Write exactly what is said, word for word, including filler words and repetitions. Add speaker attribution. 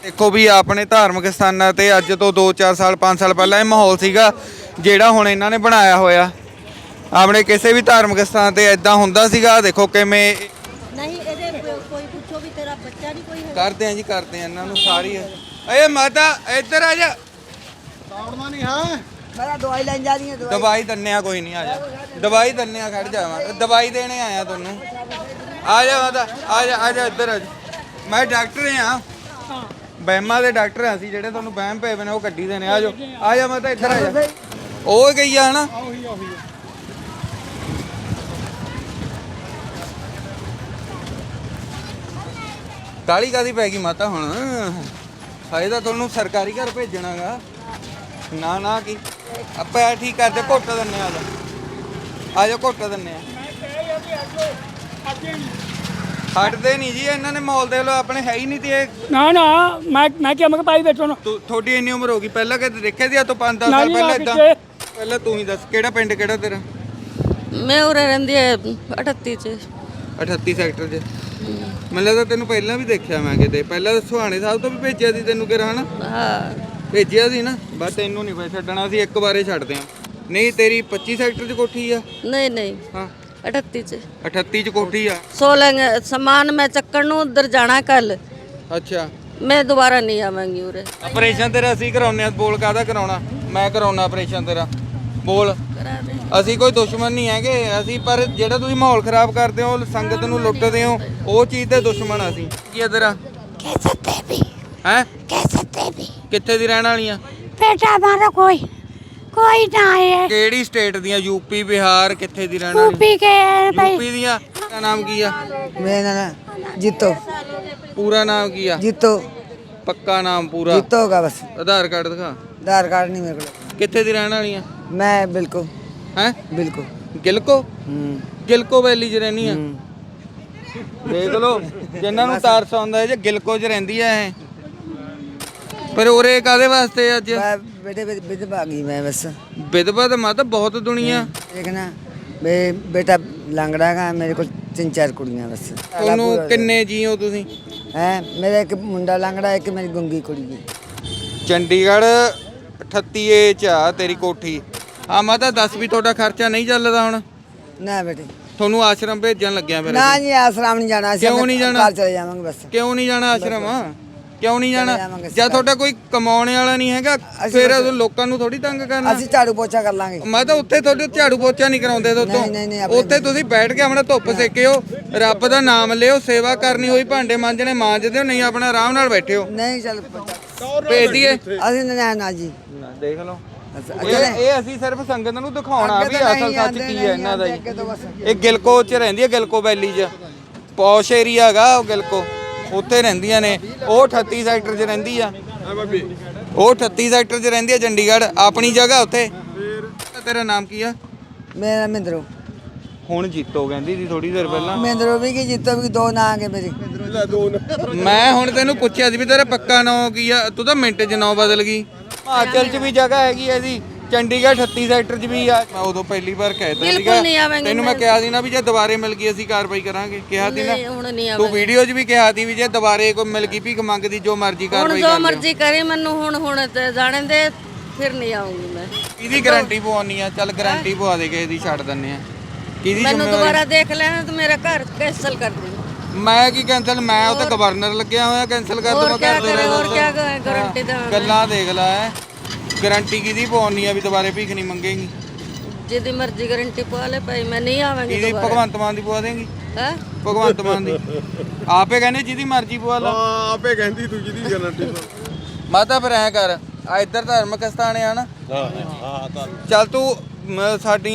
Speaker 1: ਦੇਖੋ ਵੀ ਆਪਣੇ ਧਾਰਮਿਕ ਸਥਾਨਾਂ ਤੇ ਅੱਜ ਤੋਂ ਦੋ ਚਾਰ ਸਾਲ ਪੰਜ ਸਾਲ ਪਹਿਲਾਂ ਇਹ ਮਾਹੌਲ ਸੀਗਾ ਜਿਹੜਾ ਹੁਣ ਇਹਨਾਂ ਨੇ ਬਣਾਇਆ ਹੋਇਆ। ਆਪਣੇ ਕਿਸੇ ਵੀ ਧਾਰਮਿਕ ਸਥਾਨ ਤੇ ਇਦਾਂ ਹੁੰਦਾ ਸੀਗਾ। ਦੇਖੋ ਕਿਵੇਂ
Speaker 2: ਨਹੀਂ ਇਹਦੇ ਕੋਈ ਪੁੱਛੋ ਵੀ ਤੇਰਾ ਬੱਚਾ ਨਹੀਂ ਕੋਈ ਹੈਗਾ।
Speaker 1: ਕਰਦੇ ਆ ਜੀ ਕਰਦੇ ਆ ਇਹਨਾਂ ਨੂੰ ਸਾਰੀ। ਏ ਮਾਤਾ ਇੱਧਰ ਆ ਜਾ।
Speaker 3: ਤਾੜਨਾ ਨਹੀਂ ਹੈ।
Speaker 2: ਮੈਂ ਦਵਾਈ ਲੈਣ ਜਾ ਰਹੀ ਹਾਂ।
Speaker 1: ਦਵਾਈ ਦੰਨੇ ਆ ਕੋਈ ਨਹੀਂ, ਆ ਜਾ ਦਵਾਈ ਦੰਨੇ ਆ। ਖੜ ਜਾਵਾਂ ਦਵਾਈ ਦੇਣੇ ਆਇਆ ਤੁਹਾਨੂੰ। ਆ ਜਾ ਮਾਤਾ ਆ ਜਾ ਆ ਜਾ ਇੱਧਰ ਆ ਜਾ। ਮੈਂ ਡਾਕਟਰ ਆ, ਵਹਿਮਾਂ ਦੇ ਡਾਕਟਰ ਆ ਅਸੀਂ। ਜਿਹੜੇ ਤੁਹਾਨੂੰ ਵਹਿਮ ਪਏ ਨੇ ਉਹ ਕੱਢੀ ਦੇਣੇ। ਆ ਜਾ ਆ ਜਾ ਮਾਤਾ ਇੱਧਰ ਆ ਜਾ। ਉਹ ਗਈ ਆ ਹਨਾ। ਕਾਲੀ ਕਾਦੀ ਪੈ ਗਈ ਮਾਤਾ ਹੁਣ? ਹਾਏ ਤਾਂ ਤੁਹਾਨੂੰ ਸਰਕਾਰੀ ਘਰ ਭੇਜਣਾਗਾ। ਨਾ ਨਾ ਕੀ ਆਪਾਂ ਠੀਕ ਕਰਦੇ ਘੁੱਟ ਦਿੰਨੇ ਆ। ਆ ਜਾ ਘੁੱਟ ਦਿੰਨੇ ਆ। ਹਟਦੇ ਨਹੀਂ ਜੀ ਇਹਨਾਂ ਨੇ। ਮਾਹੌਲ ਦੇਖ ਲਓ ਆਪਣੇ ਹੈ ਹੀ ਨਹੀਂ ਤੇ ਇਹ।
Speaker 4: ਨਾ ਨਾ ਮੈਂ ਮੈਂ ਕਿਹਾ ਮੈਂ ਪਾਈ ਬੈਠੋ ਨਾ।
Speaker 1: ਤੁਹਾਡੀ ਇੰਨੀ ਉਮਰ ਹੋ ਗਈ, ਪਹਿਲਾਂ ਕਦੇ ਦੇਖਿਆ ਸੀ? ਆ ਤੋਂ ਪੰਜ ਦਸ ਸਾਲ ਪਹਿਲਾਂ ਇਦਾਂ? ਪਹਿਲਾਂ ਤੂੰ ਹੀ ਦੱਸ ਕਿਹੜਾ ਪਿੰਡ ਕਿਹੜਾ ਤੇਰਾ?
Speaker 2: ਮੈਂ ਉਰੇ ਰਹਿੰਦੀ ਹੈ ਅਠੱਤੀ ਚ
Speaker 1: ਅਠੱਤੀ ਸੈਕਟਰ 'ਚ। ਮੈਨੂੰ ਲੱਗਦਾ ਤੈਨੂੰ ਪਹਿਲਾਂ ਵੀ ਦੇਖਿਆ ਮੈਂ ਕਿਤੇ। ਪਹਿਲਾਂ ਸੁਹਾਣੇ ਸਾਹਿਬ ਤੋਂ ਵੀ ਭੇਜਿਆ ਸੀ ਤੈਨੂੰ ਕਿਹੜਾ ਹਨਾ?
Speaker 2: ਹਾਂ
Speaker 1: ਭੇਜਿਆ ਸੀ ਨਾ। ਬਸ ਤੈਨੂੰ ਨਹੀਂ ਪਈ ਛੱਡਣਾ ਸੀ, ਇੱਕ ਵਾਰੇ ਛੱਡਦੇ ਆ। ਨਹੀਂ ਤੇਰੀ ਪੱਚੀ ਸੈਕਟਰ 'ਚ ਕੋਠੀ ਆ?
Speaker 2: ਨਹੀਂ ਨਹੀਂ
Speaker 1: ਹਾਂ
Speaker 2: ਅਠੱਤੀ ਚ
Speaker 1: ਅਠੱਤੀ 'ਚ ਕੋਠੀ ਆ।
Speaker 2: सोलह सामान मैं ਚੱਕਣ ਨੂੰ ਉਧਰ ਜਾਣਾ ਕੱਲ।
Speaker 1: ਅੱਛਾ
Speaker 2: ਮੈਂ ਦੁਬਾਰਾ ਨਹੀਂ ਆਵਾਂਗੀ ਉਰੇ।
Speaker 1: ਆਪਰੇਸ਼ਨ ਤੇਰਾ ਅਸੀਂ ਕਰਾਉਨੇ ਆ। ਬੋਲ ਕਾਹਦਾ ਕਰਾਉਣਾ? ਮੈਂ ਕਰਾਉਣਾ ਆਪਰੇਸ਼ਨ ਤੇਰਾ। ਬੋਲ। ਅਸੀਂ ਕੋਈ ਦੁਸ਼ਮਣ ਨਹੀਂ ਹੈਗੇ ਅਸੀਂ, ਪਰ ਜਿਹੜਾ ਤੁਸੀਂ ਮਾਹੌਲ ਖਰਾਬ ਕਰਦੇ ਹੋ, ਸੰਗਤ ਨੂੰ ਲੁੱਟਦੇ ਹੋ, ਉਹ ਚੀਜ਼ ਤੇ ਦੁਸ਼ਮਣ ਅਸੀਂ। ਕੀ ਆ ਤੇਰਾ?
Speaker 5: कैसे देवी
Speaker 1: ਹੈ
Speaker 5: कैसे देवी
Speaker 1: ਕਿੱਥੇ ਦੀ ਰਹਿਣ ਵਾਲੀ ਆ?
Speaker 5: बेटा हमारा कोई कोई ना है।
Speaker 1: ਕਿਹੜੀ ਸਟੇਟ ਦੀਆਂ? ਯੂਪੀ ਬਿਹਾਰ? ਕਿੱਥੇ ਦੀ ਰਹਿਣ ਵਾਲੀ?
Speaker 5: यूपी के भाई
Speaker 1: ਯੂਪੀ ਦੀਆਂ। ਦਾ ਨਾਮ ਕੀ ਆ?
Speaker 6: मेरा नाम जीतो
Speaker 1: ਪੂਰਾ ਨਾਮ ਕੀ ਆ?
Speaker 6: जीतो
Speaker 1: ਪੱਕਾ ਨਾਮ ਪੂਰਾ?
Speaker 6: जीतो होगा बस।
Speaker 1: ਆਧਾਰ ਕਾਰਡ ਦਿਖਾ।
Speaker 6: आधार कार्ड नहीं मेरे को।
Speaker 1: ਕਿੱਥੇ ਦੀ ਰਹਿਣ ਵਾਲੀ ਆ?
Speaker 6: मैं बिल्कुल
Speaker 1: ਹੈ
Speaker 6: बिल्कुल
Speaker 1: ਗਿਲਕੋ?
Speaker 6: हम्म
Speaker 1: ਗਿਲਕੋ ਵੈਲੀ 'ਚ ਰਹਿਣੀ ਆ। ਦੇਖ ਲਓ ਜਿਨ੍ਹਾਂ ਨੂੰ ਤਾਰਸ ਆਉਂਦਾ ਹੈ ਜੇ ਗਿਲਕੋ 'ਚ ਰਹਿੰਦੀ ਆ ਇਹ। ਪਰ ਉਰੇ ਕਾਦੇ ਵਾਸਤੇ ਅੱਜ?
Speaker 6: मैं बेटे विधवा गई मैं बस।
Speaker 1: ਵਿਧਵਾ ਤਾਂ ਮਾਤਾ ਬਹੁਤ ਦੁਨੀਆ।
Speaker 6: देखना बे बेटा लंगड़ा का मेरे को तीन चार कुड़ियां बस।
Speaker 1: ਤੁਹਾਨੂੰ ਕਿੰਨੇ ਜੀਓ ਤੁਸੀਂ?
Speaker 6: है मेरा एक मुंडा लंगड़ा एक मेरी गुंगी कुड़ी है।
Speaker 1: ਚੰਡੀਗੜ੍ਹ ਅਠੱਤੀ ਏ 'ਚ ਆ ਤੇਰੀ ਕੋਠੀ। ਆ ਮਾਤਾ ਦੱਸ ਵੀ ਤੁਹਾਡਾ ਖਰਚਾ ਨਹੀਂ ਚੱਲਦਾ ਹੁਣ?
Speaker 6: ना बेटे
Speaker 1: ਤੁਹਾਨੂੰ ਆਸ਼ਰਮ ਭੇਜਣ ਲੱਗਿਆ ਫਿਰ।
Speaker 6: ना जी आश्रम नहीं जाना।
Speaker 1: क्यों नहीं जाना?
Speaker 6: कल चले जाएंगे बस।
Speaker 1: ਕਿਉਂ ਨਹੀਂ ਜਾਣਾ ਆਸ਼ਰਮ? ਕਿਉਂ ਨਹੀਂ ਜਾਣਾ?
Speaker 6: ਜਾਵਾਂਗੇ
Speaker 1: ਜਾਂ ਤੁਹਾਡਾ ਕੋਈ ਕਮਾਉਣ ਵਾਲਾ ਨਹੀਂ ਹੈਗਾ ਫਿਰ ਲੋਕਾਂ ਨੂੰ ਥੋੜੀ ਤੰਗ ਕਰਨਾ।
Speaker 6: ਅਸੀਂ ਝਾੜੂ ਪੋਚਾ ਕਰ ਲਾਂਗੇ।
Speaker 1: ਮੈਂ ਤਾਂ ਉੱਥੇ ਤੁਹਾਡੇ ਝਾੜੂ ਪੋਚਾ ਨਹੀਂ ਕਰਾਉਂਦੇ
Speaker 6: ਨਹੀਂ, ਨਹੀਂ, ਨਹੀਂ,
Speaker 1: ਦੋਤੋਂ।
Speaker 6: ਆਪਣੇ
Speaker 1: ਉੱਥੇ ਤੁਸੀਂ ਬੈਠ ਕੇ ਆਪਣਾ ਧੁੱਪ ਸੇਕਿਓ, ਰੱਬ ਦਾ ਨਾਮ ਲਿਓ, ਸੇਵਾ ਕਰਨੀ ਹੋਈ ਭਾਂਡੇ ਮਾਂਜਣੇ ਮਾਂਜਦੇ ਹੋ, ਨਹੀਂ ਆਪਣਾ ਆਰਾਮ ਨਾਲ ਬੈਠਿਓ।
Speaker 6: नहीं चल पोचा
Speaker 1: ਭੇਜ ਦਈਏ।
Speaker 6: ਅਸੀਂ ਨਾ ਨਾ ਜੀ।
Speaker 1: ਦੇਖ ਲਓ
Speaker 6: ਅੱਛਾ,
Speaker 1: ਇਹ ਇਹ ਅਸੀਂ ਸਿਰਫ ਸੰਗਤ ਨੂੰ ਦਿਖਾਉਣਾ
Speaker 6: ਅੱਗੇ
Speaker 1: ਵੀ
Speaker 6: ਤਾਂ
Speaker 1: ਅਸਲ
Speaker 6: ਨਹੀਂ
Speaker 1: ਸੱਚ
Speaker 6: ਆਉਂਦੇ,
Speaker 1: ਕੀ
Speaker 6: ਨਹੀਂ
Speaker 1: ਹੈ ਇਹਨਾਂ ਦਾ
Speaker 6: ਅੱਗੇ ਤੋਂ ਬਸ।
Speaker 1: ਜੀ। ਇਹ ਗਿਲਕੋ 'ਚ ਰਹਿੰਦੀ ਹੈ, ਗਿਲਕੋ ਵੈਲੀ 'ਚ। ਪੌਸ਼ ਏਰੀਆ ਹੈਗਾ ਉਹ ਗਿਲਕੋ, ਉੱਥੇ ਰਹਿੰਦੀਆਂ ਨੇ। ਉਹ ਅਠੱਤੀ ਸੈਕਟਰ 'ਚ ਰਹਿੰਦੀ ਆ। ਉਹ ਅਠੱਤੀ ਸੈਕਟਰ 'ਚ ਰਹਿੰਦੀ ਆ ਚੰਡੀਗੜ੍ਹ। ਆਪਣੀ ਜਗ੍ਹਾ ਉੱਥੇ। ਤੇਰਾ ਨਾਮ ਕੀ ਆ?
Speaker 6: ਮੇਰਾ ਮਿੰਦਰੋ।
Speaker 1: ਹੁਣ ਜੀਤੋ ਕਹਿੰਦੀ ਸੀ ਥੋੜੀ ਦੇਰ ਪਹਿਲਾਂ।
Speaker 6: ਮਿੰਦਰੋ ਵੀ ਕੀ ਜੀਤੋ ਵੀ ਦੋ ਨਾਂ ਆ ਗਏ ਮੇਰੇ।
Speaker 1: ਮੈਂ ਹੁਣ ਤੈਨੂੰ ਪੁੱਛਿਆ ਸੀ ਵੀ ਤੇਰਾ ਪੱਕਾ ਨਾਂ ਕੀ ਆ? ਤੂੰ ਤਾਂ ਮਿੰਟ 'ਚ ਨਾਂ ਬਦਲ ਗਈ। ਹਿਮਾਚਲ 'ਚ ਵੀ ਜਗ੍ਹਾ ਹੈਗੀ ਐ ਜੀ, ਚੰਡੀਗੜ੍ਹ ਅਠੱਤੀ ਸੈਕਟਰ 'ਚ ਵੀ ਆ। ਮੈਂ ਉਦੋਂ ਪਹਿਲੀ ਵਾਰ ਕਹਿਤਾ
Speaker 2: ਬਿਲਕੁਲ ਨਹੀਂ ਆਵਾਂਗੇ।
Speaker 1: ਤੈਨੂੰ ਮੈਂ ਕਿਹਾ ਸੀ ਨਾ ਵੀ ਜੇ ਦੁਬਾਰੇ ਮਿਲ ਗਈ ਅਸੀਂ ਕਾਰਵਾਈ ਕਰਾਂਗੇ। ਕਿਹਾ ਸੀ
Speaker 2: ਨਹੀਂ ਹੁਣ ਨਹੀਂ
Speaker 1: ਨਾ ਤੂੰ
Speaker 2: ਆਵਾਂਗੀ।
Speaker 1: ਵੀਡੀਓ 'ਚ ਵੀ ਕਿਹਾ ਸੀ ਵੀ ਜੇ ਦੁਬਾਰੇ ਕੋਈ ਮਿਲ ਗਈ ਭੀਖ ਮੰਗਦੀ ਜੋ ਮਰਜ਼ੀ
Speaker 2: ਹੁਣ
Speaker 1: ਕਾਰਵਾਈ
Speaker 2: ਜੋ
Speaker 1: ਕਰ ਲਿਓ।
Speaker 2: ਮਰਜ਼ੀ ਕਰੇ ਮੈਨੂੰ ਹੁਣ ਹੁਣ ਤੇ ਜਾਣੇ ਦੇ ਫਿਰ ਨਹੀਂ ਆਉਂਗੀ ਮੈਂ।
Speaker 1: ਕਿਹਦੀ ਗਾਰੰਟੀ ਪਵਾਉਣੀ ਆ? ਚੱਲ ਗਾਰੰਟੀ ਪਵਾ ਦੇ ਕਿਸੇ ਦੀ, ਛੱਡ ਦਿੰਨੇ ਆ। ਕਿਹਦੀ
Speaker 2: ਮੈਨੂੰ
Speaker 1: ਜ਼ਿੰਮੇਵਾਰੀ?
Speaker 2: ਦੁਬਾਰਾ ਦੇਖ ਲੈਣਾ ਤੇ ਮੇਰਾ ਘਰ ਕੈਂਸਲ ਕਰ ਦੇ।
Speaker 1: ਮੈਂ ਕੀ ਕੈਂਸਲ? ਮੈਂ ਉਹ ਤਾਂ ਗਵਰਨਰ ਲੱਗਿਆ ਹੋਇਆ, ਕੈਂਸਲ ਕਰ
Speaker 2: ਹੋਰ
Speaker 1: ਦੂੰਗਾ।
Speaker 2: ਕਿਆ
Speaker 1: ਕਰਦੇ
Speaker 2: ਕਰੇ,
Speaker 1: ਰਹੋ
Speaker 2: ਹੋਰ
Speaker 1: ਦੱਸੋ।
Speaker 2: ਕਿਆ ਗਾਰੰਟੀ ਦੇਵਾਂ?
Speaker 1: ਗੱਲਾਂ ਦੇਖ ਲੈ। ਗਾਰੰਟੀ ਕਿਹਦੀ ਪਵਾਉਣੀ ਆ ਵੀ ਦੁਬਾਰੇ ਭੀਖ ਨਹੀਂ ਮੰਗੇਗੀ?
Speaker 2: ਜਿਹਦੀ ਮਰਜ਼ੀ ਗਾਰੰਟੀ ਪਵਾ ਲੈ ਭਾਈ, ਮੈਂ ਨਹੀਂ ਆਵਾਂਗੀ
Speaker 1: ਕਿਹਦੀ?
Speaker 2: ਦੁਬਾਰਾ।
Speaker 1: ਭਗਵੰਤ ਮਾਨ ਦੀ ਪਵਾ ਦੇਂਗੀ?
Speaker 2: ਹੈ
Speaker 1: ਭਗਵੰਤ ਮਾਨ ਦੀ ਆਪੇ ਕਹਿੰਦੇ ਜਿਹਦੀ ਮਰਜ਼ੀ ਪਵਾ ਲਾ।
Speaker 3: ਹਾਂ ਆਪੇ ਕਹਿੰਦੀ ਤੂੰ ਜਿਹਦੀ ਗਾਰੰਟੀ।
Speaker 1: ਮਾਤਾ ਫਿਰ ਐ ਕਰ, ਆ ਇੱਧਰ ਧਾਰਮਿਕ ਸਥਾਨ ਆ ਨਾ।
Speaker 3: ਹਾਂ ਹਾਂ ਤਾਂ
Speaker 1: ਚੱਲ ਤੂੰ ਮ, ਸਾਡੀ